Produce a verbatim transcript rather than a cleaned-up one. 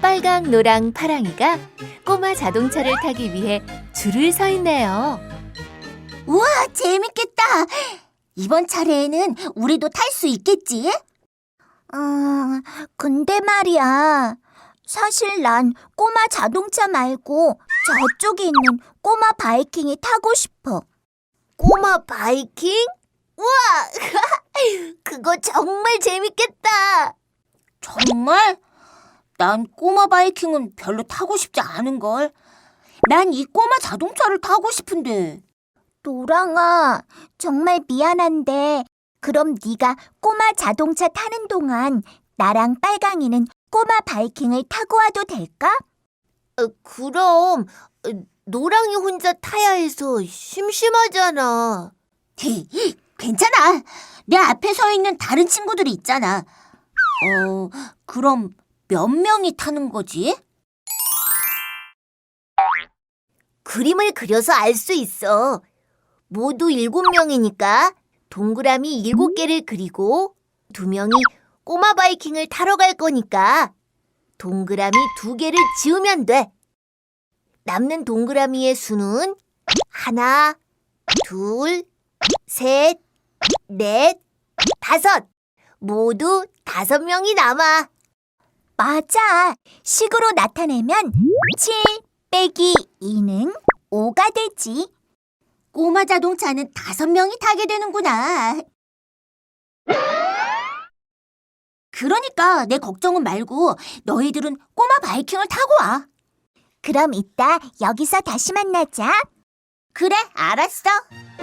빨강, 노랑, 파랑이가 꼬마 자동차를 타기 위해 줄을 서 있네요. 우와, 재밌겠다. 이번 차례에는 우리도 탈 수 있겠지? 음, 근데 말이야. 사실 난 꼬마 자동차 말고 저쪽에 있는 꼬마 바이킹이 타고 싶어. 꼬마 바이킹? 우와! 그거 정말 재밌겠다. 정말? 난 꼬마 바이킹은 별로 타고 싶지 않은걸. 난 이 꼬마 자동차를 타고 싶은데. 노랑아, 정말 미안한데 그럼 네가 꼬마 자동차 타는 동안 나랑 빨강이는 꼬마 바이킹을 타고 와도 될까? 어, 그럼 노랑이 혼자 타야 해서 심심하잖아. 괜찮아. 내 앞에 서 있는 다른 친구들이 있잖아. 어, 그럼 몇 명이 타는 거지? 그림을 그려서 알 수 있어. 모두 일곱 명이니까 동그라미 일곱 개를 그리고 두 명이 꼬마 바이킹을 타러 갈 거니까 동그라미 두 개를 지우면 돼. 남는 동그라미의 수는 하나, 둘, 셋, 넷, 다섯. 모두 다섯 명이 남아. 맞아. 식으로 나타내면 칠 빼기 이는 오가 되지. 꼬마 자동차는 다섯 명이 타게 되는구나. 그러니까 내 걱정은 말고 너희들은 꼬마 바이킹을 타고 와. 그럼 이따 여기서 다시 만나자. 그래, 알았어.